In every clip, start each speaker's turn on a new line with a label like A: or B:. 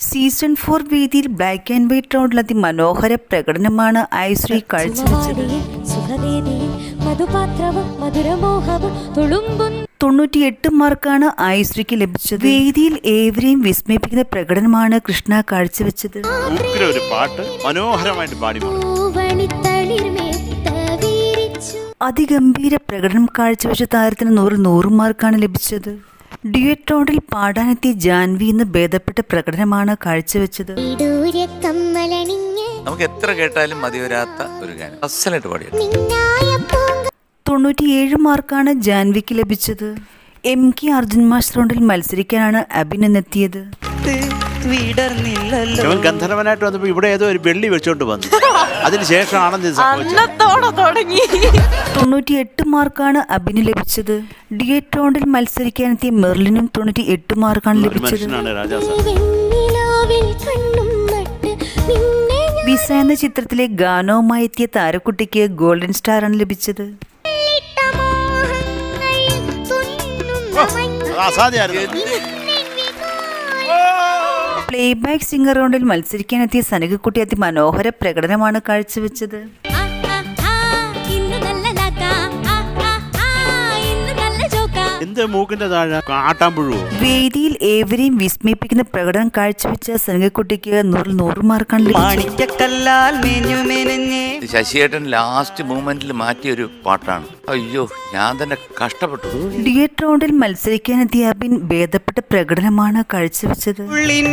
A: Season 4 വേദിയിൽ black and white റൗണ്ടിൽ അതിമനോഹര പ്രകടനമാണ് ഐശ്വര്യ കാഴ്ചവെച്ചത്. 98 മാർക്കാണ് ഐശ്വര്യക്ക് ലഭിച്ചത്. വേദിയിൽ ഏവരെയും വിസ്മയിപ്പിക്കുന്ന പ്രകടനമാണ് കൃഷ്ണ കാഴ്ചവെച്ചത്. അതിഗംഭീര പ്രകടനം കാഴ്ചവെച്ച താരത്തിന് 100 മാർക്കാണ് ലഭിച്ചത്. ഡ്യുവറ്റ് റൗണ്ടിൽ പാടാനെത്തിയ ജാൻവി എന്ന് ഭേദപ്പെട്ട പ്രകടനമാണ് കാഴ്ചവെച്ചത്.
B: നമുക്ക് എത്ര കേട്ടാലും മതി വരാത്ത ഒരു ഗാനം. അസലായിട്ട് പാടിയത്.
A: 97 മാർക്കാണ് ജാൻവിക്ക് ലഭിച്ചത്. MK അർജുൻ മാസ്റ്റർ റൗണ്ടിൽ മത്സരിക്കാനാണ് അഭിനെത്തിയത്.
C: ഗന്ധർവനായിട്ട് വന്നപ്പോ ഇവിടെ ഏതോ ഒരു വെള്ളി വെച്ചോണ്ട് വന്നു. അതിനുശേഷമാണ്
A: 98 മാർക്കാണ് അഭിന് ലഭിച്ചത്. ഡ്യുവറ്റ് റൗണ്ടിൽ മത്സരിക്കാനെത്തിയ മെർലിനും 98 മാർക്കാണ് ലഭിച്ചത്. വിസ എന്ന ചിത്രത്തിലെ ഗാനവുമായി എത്തിയ താരക്കുട്ടിക്ക് ഗോൾഡൻ സ്റ്റാറാണ് ലഭിച്ചത്. പ്ലേബാക്ക് സിംഗർ റൗണ്ടിൽ മത്സരിക്കാനെത്തിയ സനകക്കുട്ടി അതിമനോഹര പ്രകടനമാണ് കാഴ്ചവെച്ചത്. വേദിയിൽ ഏവരെയും വിസ്മയിപ്പിക്കുന്ന പ്രകടനം കാഴ്ചവെച്ച സനകക്കുട്ടിക്ക് 100 മാർക്കാണ് ലഭിച്ചത്.
B: ശശിയേട്ടൻ ലാസ്റ്റ് മൂമെന്റിൽ മാറ്റിയൊരു പാട്ടാണ്. അയ്യോ, ഞാൻ തന്നെ കഷ്ടപ്പെട്ടു.
A: ഡ്യുവറ്റ് റൗണ്ടിൽ മത്സരിക്കാനെത്തിയ അബിൻ ഭേദപ്പെട്ട പ്രകടനമാണ് കാഴ്ചവെച്ചത്.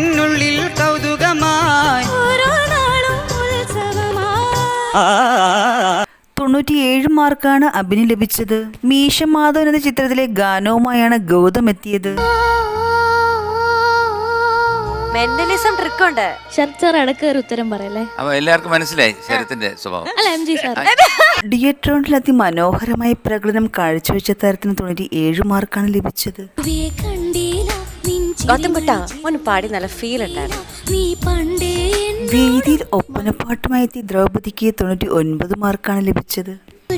A: 97 മാർക്കാണ് അഭിന് ലഭിച്ചത്. മീശ മാധവൻ എന്ന ചിത്രത്തിലെ ഗാനവുമായാണ് ഗൗതം എത്തിയത്.
D: മെന്റലിസം ട്രിക്ക് ഉണ്ട്. ശരത് ഇടയ്ക്ക് ഒരു ഉത്തരം പറയല്ലേ?
B: എല്ലാവർക്കും മനസ്സിലായി ശരത്തിന്റെ സ്വഭാവം.
A: ഡ്യുവറ്റ് റൗണ്ടിൽ അതിമനോഹരമായ പ്രകടനം കാഴ്ചവെച്ച താരത്തിന് 97 മാർക്കാണ് ലഭിച്ചത്.
D: പാടി നല്ല ഫീൽ ഉണ്ടായിരുന്നു.
A: വേദിയിൽ ഒപ്പനപ്പാട്ടുമായി എത്തിയ ദ്രൗപദിക്ക് 99 മാർക്കാണ് ലഭിച്ചത്.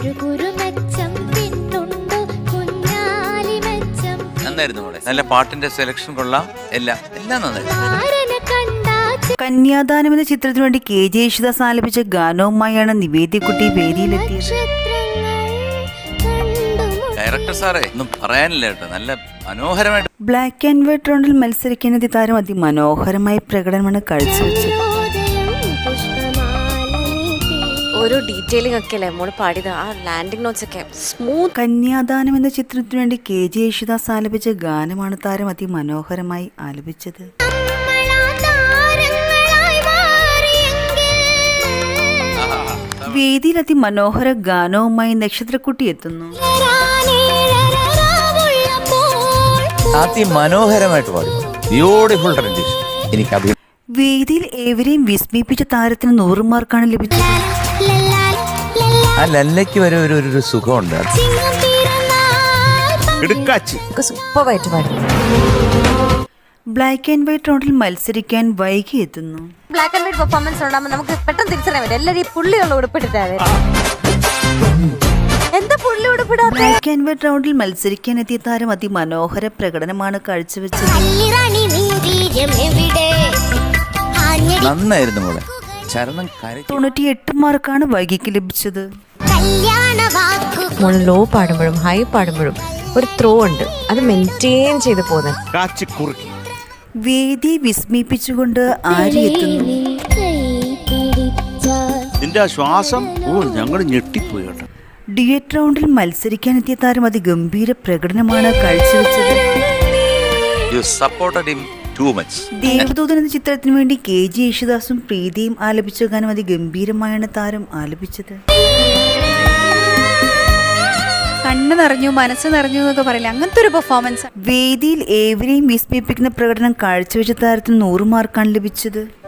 B: നന്നായിരുന്നു. നല്ല പാട്ടിന്റെ സെലക്ഷൻ കൊള്ളാം. എല്ലാം നന്നായിരുന്നു.
A: കന്യാദാനം എന്ന ചിത്രത്തിനു വേണ്ടി KJ യേശുദാസ് ആലപിച്ച ഗാനവുമായാണ് നിവേദ്യക്കുട്ടി വേദിയിലെത്തിയത്.
B: ഡയറക്ടർ സാറേ ഒന്നും പറയാനില്ല കേട്ടോ, നല്ല മനോഹരമായിട്ട്.
A: ബ്ലാക്ക് ആൻഡ് വൈറ്റ് റൗണ്ടിൽ മത്സരിക്കാനെത്തിയ താരം അതിമനോഹരമായ പ്രകടനമാണ് കാഴ്ചവെച്ചത്.
D: ഓരോ ഡീറ്റെയിലിംഗ് ഒക്കെ അല്ലേ മോള് പാടിയത്. ആ ലാൻഡിംഗ് നോട്ട്സ് ഒക്കെ സ്മൂത്ത്.
A: കന്യാദാനം എന്ന ചിത്രത്തിനു വേണ്ടി KJ യേശുദാസ് ആലപിച്ച ഗാനമാണ് താരം അതിമനോഹരമായി ആലപിച്ചത്. വേദിയിൽ അതിമനോഹര ഗാനവുമായി നക്ഷത്രക്കുട്ടി എത്തുന്നു.
B: മനോഹരമായിട്ട് പാടി. Beautiful tradition. എനിക്ക്
A: വേദിയിൽ ഏവരെയും വിസ്മയിപ്പിച്ച താരത്തിന് 100 മാർക്കാണ് ലഭിച്ചത്.
B: ആ ലല്ലയ്ക്ക് വരെ ഒരു സുഖമുണ്ട്.
D: സൂപ്പറായിട്ട് പാടി.
A: ബ്ലാക്ക് ആൻഡ് വൈറ്റ് റൗണ്ടിൽ മത്സരിക്കാൻ വൈകി എത്തുന്നു.
D: ബ്ലാക്ക് ആൻഡ് വൈറ്റ് പെർഫോമൻസ് ഉണ്ടാകുമ്പോൾ നമുക്ക് പെട്ടെന്ന് തിരിച്ചറിയാൻ പറ്റും. എല്ലാവരും ഈ പുള്ളിയുള്ള ഉടുപ്പിട്ടിട്ടാണ്. എന്താ പുള്ളി ഉടുപ്പിടാ?
A: ബ്ലാക്ക് ആൻഡ് വൈറ്റ് റൗണ്ടിൽ മത്സരിക്കാൻ എത്തിയ താരം അതിമനോഹര പ്രകടനമാണ് കാഴ്ചവെച്ചത്.
B: നന്നായിരുന്നു മോളെ. ചരണം
A: 98 മാർക്കാണ് വൈകിക്ക് ലഭിച്ചത്.
D: ലോ പാടുമ്പോഴും ഹൈ പാടുമ്പോഴും ഒരു ത്രോ ഉണ്ട്, അത് മെയിൻറ്റെയിൻ ചെയ്ത് പോകുന്നത്.
A: വേദിയെ വിസ്മയിപ്പിച്ചുകൊണ്ട് ആര്യ എത്തുന്നു.
C: ശ്വാസം ഞങ്ങൾ ഞെട്ടിപ്പോയി കേട്ടോ.
A: ഡ്യുവറ്റ് റൗണ്ടിൽ മത്സരിക്കാനെത്തിയ താരം അതിഗംഭീര പ്രകടനമാണ് കാഴ്ചവെച്ചത്. ദേവദൂതൻ എന്ന ചിത്രത്തിനു വേണ്ടി KJ യേശുദാസും പ്രീതിയും ആലപിച്ച ഗാനം അതിഗംഭീരമായാണ് താരം ആലപിച്ചത്.
E: കണ്ണ് നിറഞ്ഞു, മനസ്സ് നിറഞ്ഞു എന്നൊക്കെ പറയില്ല, അങ്ങനത്തെ ഒരു പെർഫോമൻസ്.
A: വേദിയിൽ ഏവരെയും വിസ്മയിപ്പിക്കുന്ന പ്രകടനം കാഴ്ചവെച്ച താരത്തിന് 100 മാർക്കാണ് ലഭിച്ചത്.